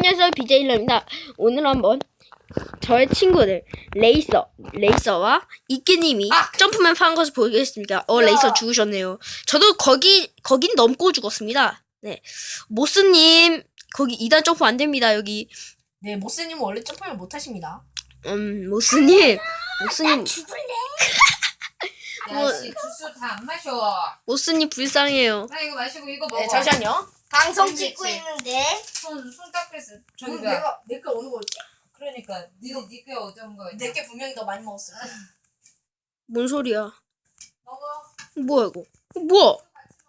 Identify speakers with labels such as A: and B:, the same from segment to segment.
A: 안녕하세요, BJ일러입니다. 오늘 한번 저의 친구들 레이서와 이끼님이 점프맨 파는 것을 보겠습니다. 레이서 죽으셨네요. 저도 거긴 넘고 죽었습니다. 네, 모스님 거기 2단 점프 안 됩니다. 여기.
B: 네, 모스님은 원래 점프를 못 하십니다.
A: 모스님
C: 죽을래?
A: 뭐-
C: 야씨 주스 다 안 마셔.
A: 모스님 불쌍해요.
C: 나 이거 마시고 이거 먹어.
B: 네, 잠시만요.
C: 방송
B: 찍고
C: 있는데. 손 닦겠어. 저기가.
B: 내거 어느 거였지?
C: 그러니까 니게 어떤 거?
B: 내게 분명히 더 많이 먹었어.
A: 뭔 소리야?
C: 먹어.
A: 뭐야 이거? 뭐야?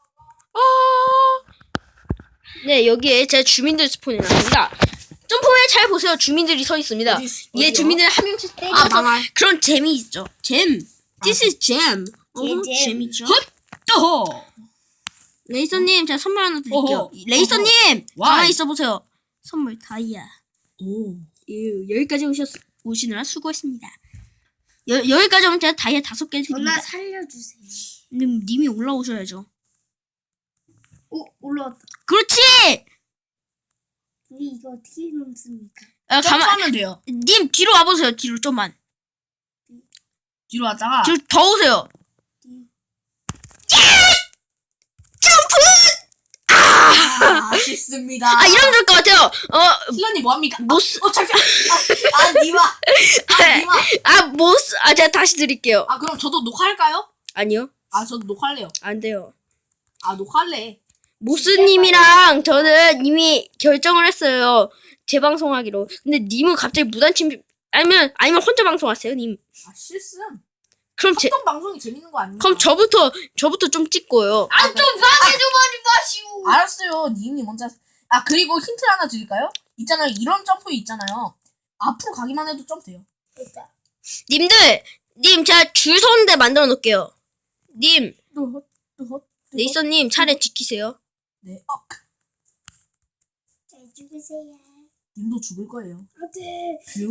A: 네, 여기에 제 주민들 스폰이 나옵니다. 점프맨 잘 보세요. 주민들이 서 있습니다. 얘 주민들 한 명씩 때려서
B: 방알.
A: 그런 재미 있죠. 잼. This is jam. 재미죠. 헛! 레이서님, 제가 선물 하나 드릴게요. 레이서님, 가만히 있어 보세요. 선물 다이아.
B: 오.
A: 여기까지 오시느라 수고했습니다. 여기까지 오면 제가 다이아 5개 드립니다.
C: 누나 살려주세요.
A: 님이 올라오셔야죠.
C: 오 올라왔다.
A: 그렇지!
C: 우리 이거 어떻게 넘습니까?
B: 점프하면 돼요.
A: 님 뒤로 와보세요. 뒤로 좀만.
B: 뒤로 왔다가.
A: 뒤로 더 오세요.
B: 아쉽습니다.
A: 이러면 될 것 같아요.
B: 신라님 뭐합니까?
A: 모스.
B: 잠시만. 니마. 니마.
A: 모스. 제가 다시 드릴게요.
B: 그럼 저도 녹화할까요?
A: 아니요.
B: 저도 녹화할래요.
A: 안 돼요.
B: 녹화할래.
A: 모스님이랑 저는 이미 결정을 했어요. 재방송하기로. 근데 님은 갑자기 무단침, 아니면 혼자 방송하세요, 님.
B: 실수.
A: 그럼
B: 어떤 방송이 재밌는 거 아닙니까?
A: 그럼 저부터 좀 찍고요.
C: 좀 상해줘버리 마시오.
B: 알았어요. 님이 먼저. 그리고 힌트 하나 드릴까요? 있잖아요. 이런 점프 있잖아요. 앞으로 가기만 해도 점프돼요.
C: 됐다.
A: 님, 제가 줄 서는데 만들어 놓을게요. 님, 레이서님 차례 지키세요.
B: 네.
C: 잘 죽으세요.
B: 님도 죽을 거예요.
C: 어때?
B: 뷰.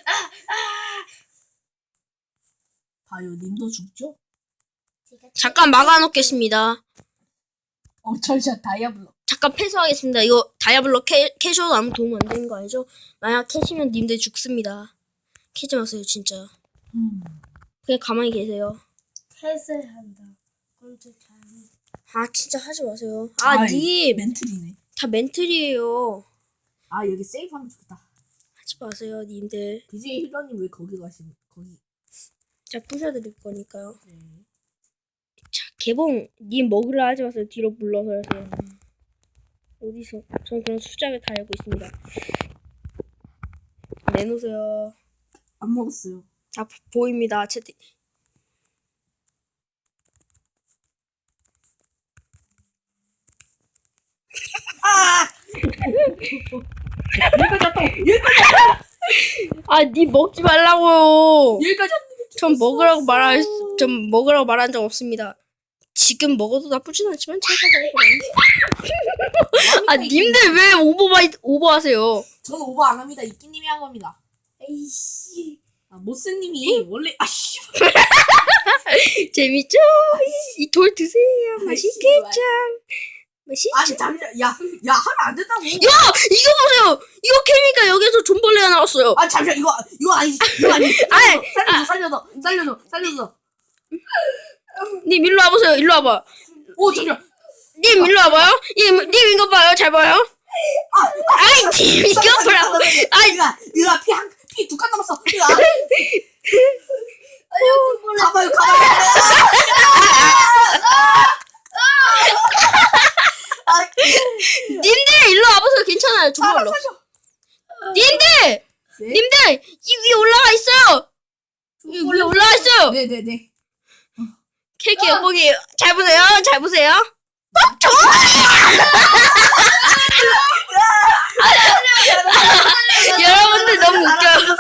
B: 봐요. 님도 죽죠?
A: 잠깐 막아놓겠습니다.
B: 철샷 다이아블럭.
A: 잠깐 패소하겠습니다. 이거 다이아블럭 캐셔도 아무 도움 안 되는 거 알죠? 만약 캐시면 님들 죽습니다. 캐지 마세요, 진짜. 그냥 가만히 계세요.
C: 해설한다. 깜짝
A: 진짜 하지 마세요. 님!
B: 멘틀이네.
A: 다 멘틀이에요.
B: 여기 세이브하면 좋겠다.
A: 하지 마세요, 님들.
B: BJ 힐러님 왜 거기 가시는? 거기.
A: 제가 부셔드릴 거니까요.
B: 네.
A: 자, 개봉, 님 먹으라 하지 마세요. 뒤로 물러서 하세요. 어디서? 전 그런 수작을 다 알고 있습니다. 내놓으세요.
B: 안 먹었어요.
A: 보입니다. 채팅. 니 먹지 말라고요.
B: 여기까지
A: 전 먹으라고 말한 적 없습니다. 지금 먹어도 나쁘진 않지만 제가 먹어요. 님들 왜 오버하세요?
B: 저는 오버 안 합니다. 이끼님이 한 겁니다.
C: 에이씨.
B: 모스님이 원래
A: 재밌죠? 이 돌 드세요. 맛있겠죠? 맛있죠?
B: 잠시만. 야 하면 안 된다고.
A: 야! 이거 보세요! 이거 캐니까 여기서 존벌레가 나왔어요.
B: 잠시만. 이거 아니지. 살려줘.
A: 님 일로 와보세요. 일로 와봐.
B: 잠시만.
A: 님 일로 와봐요. 님 이거 봐요. 잘 봐요. 님 이거 보라고.
B: 이거 피 2칸 남았어. 가봐요.
A: 님들 일로 와보세요. 괜찮아요. 존벌로. 님들 이 위에 올라가 있어요. 이 위에 올라가 있어요.
B: 네네네.
A: 케이크 여보기 잘 보세요. 여러분들 너무 웃겨요.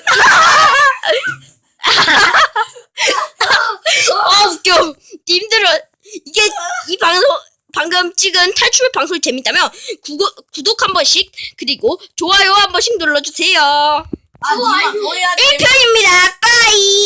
A: 웃겨. 님들은 이 방금 찍은 탈출 방송이 재밌다면 구독 한 번씩 그리고 좋아요 한 번씩 눌러주세요.
B: 뭐야?
A: 1편입니다. 빠이.